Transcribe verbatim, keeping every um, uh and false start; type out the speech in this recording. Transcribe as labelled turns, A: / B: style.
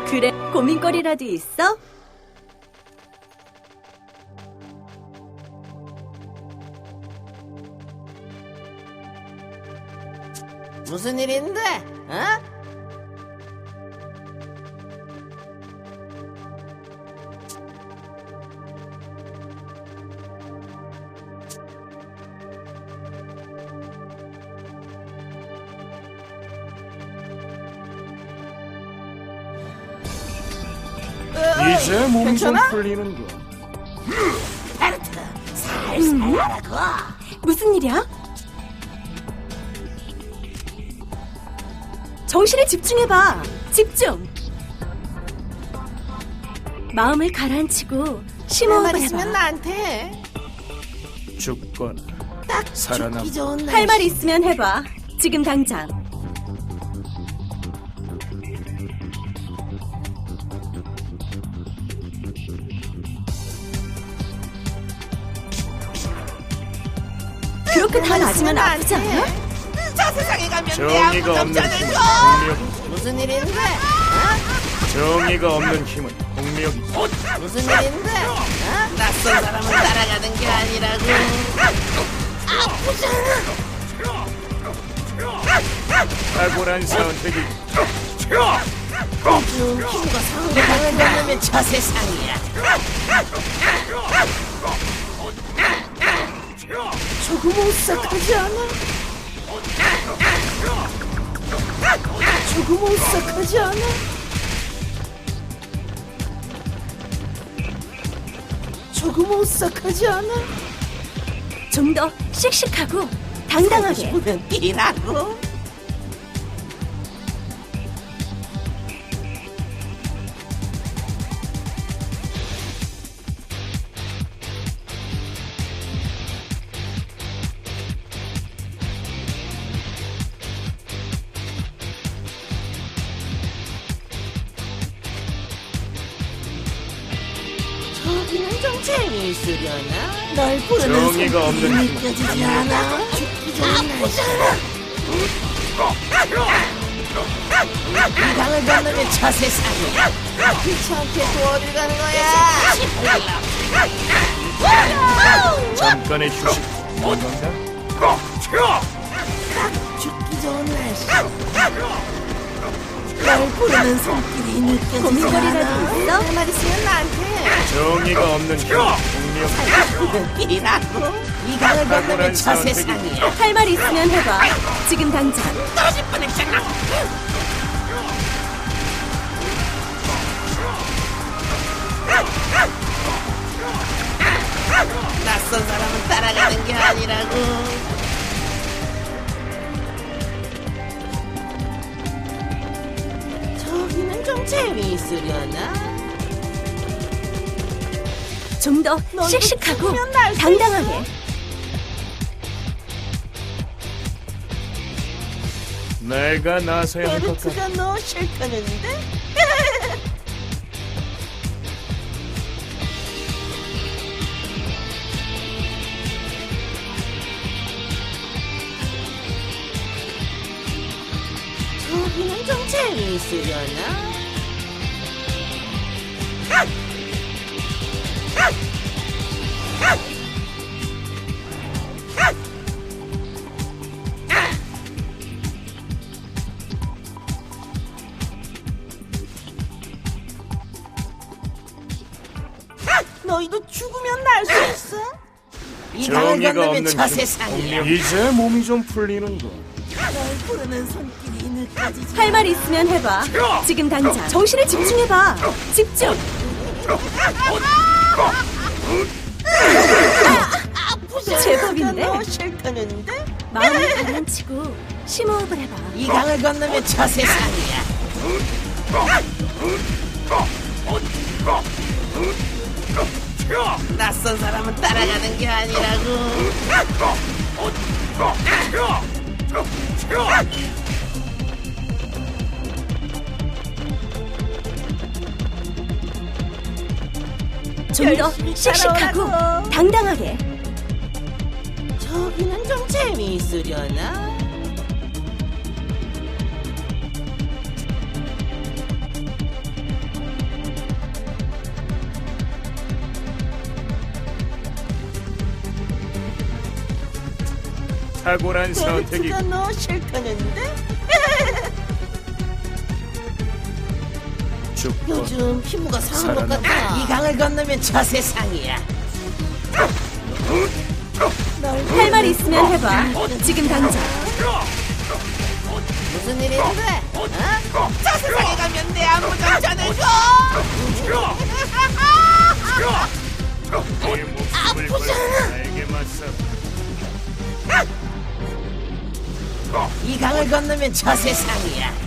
A: 그래, 고민거리라도 있어?
B: 무슨 일인데? 어?
C: 이제 몸이 좀
B: 괜찮아?
C: 풀리는군.
B: 베르트, 살살 하라고.
A: 무슨 일이야? 정신에 집중해봐. 집중. 마음을 가라앉히고
B: 내
A: 심호흡을
B: 말 있으면
A: 해봐.
B: 나한테 해.
C: 죽거나
B: 딱
C: 살아남.
B: 죽기 좋은 날.
A: 할 말 있으면 해봐. 지금 당장. 그렇게 다 맞으면 아프지 않아?
B: 저 세상에 가면 내
C: 정의가
B: 아무도
C: 없는
B: 없잖아.
C: 힘은 공력.
B: 무슨 일인데? 어?
C: 정의가 없는 힘은 공력이.
B: 무슨 일인데? 어? 낯선 사람을 따라가는 게 아니라고.
C: 탁월한 선택이.
B: 좀 힘과 상대방을 만나면 저 세상이야. 조금 오싹하지 않아? 조금 오싹하지 않아? 조금 오싹하지 않아?
A: 좀 더 씩씩하고 당당하게.
B: 보면 이라고? 저기는 좀 재미있으려나? 널 부르는
C: 정의가 없는
B: 손길이
C: 힘은
B: 느껴지지 않아? 죽기 좋은 날씨야. 이 강을 건너면 저 세상이야. 귀찮게 또 어딜 가는 거야?
C: 잠깐의 휴식. 뭔가?
B: 죽기 좋은 날씨. 널 부르는 손길이 느껴지지
A: 고민거리라도
B: 않아?
A: 있어?
B: 내 말 있으면 나한테 해.
C: 정의가 없는 힘은 공력.
B: 이라고? 이 강을 건너면 저 세상이야.
A: 할 말 있으면 해봐. 지금 당장.
B: 떨어질 뻔했잖아. 낯선 사람은 따라가는 게 아니라고. 저기는 좀 재미있으려나?
A: 좀 더
B: 넌
A: 씩씩하고
B: 죽으면 날수
A: 당당하게.
C: 내가 나서야 할 것 같아.
B: 베르트가 너 싫다는데? 저기는 좀 재미있으려나? 너희도 죽으면 날 수 있어? 이 강을
C: 정의가
B: 건너면
C: 없는
B: 저
C: 힘은
B: 세상이야.
C: 공력. 이제 몸이 좀 풀리는군.
B: 널 부르는 손길이 느껴지지
A: 할 말 있으면 해봐. 지금 당장. 정신에 집중해봐. 집중.
B: 아프지?
A: 제법인데?
B: 너 싫다는데?
A: 마음을 가라앉히고 심호흡을 해봐.
B: 이 강을 건너면 저 세상이야. 낯선 사람은 따라가는 게 아니라고.
A: 좀 더
B: 열심히
A: 씩씩하고
B: 따라오라고.
A: 당당하게.
B: 저기는 좀 재미있으려나?
C: 탁월한 선택이.
B: 베르트가 너 싫다는데?
C: 죽고
B: 요즘 피부가 상한 것
C: 살아남아.
B: 같아. 이 강을 건너면 저 세상이야.
A: 할 말 있으면 해봐. 지금 당장.
B: 무슨 일인데? 어? 저 세상에 가면 내 안무 좀 전해줘.
C: 내 목숨을 걸고 나에게 맞서.
B: 이 강을 건너면 저 세상이야.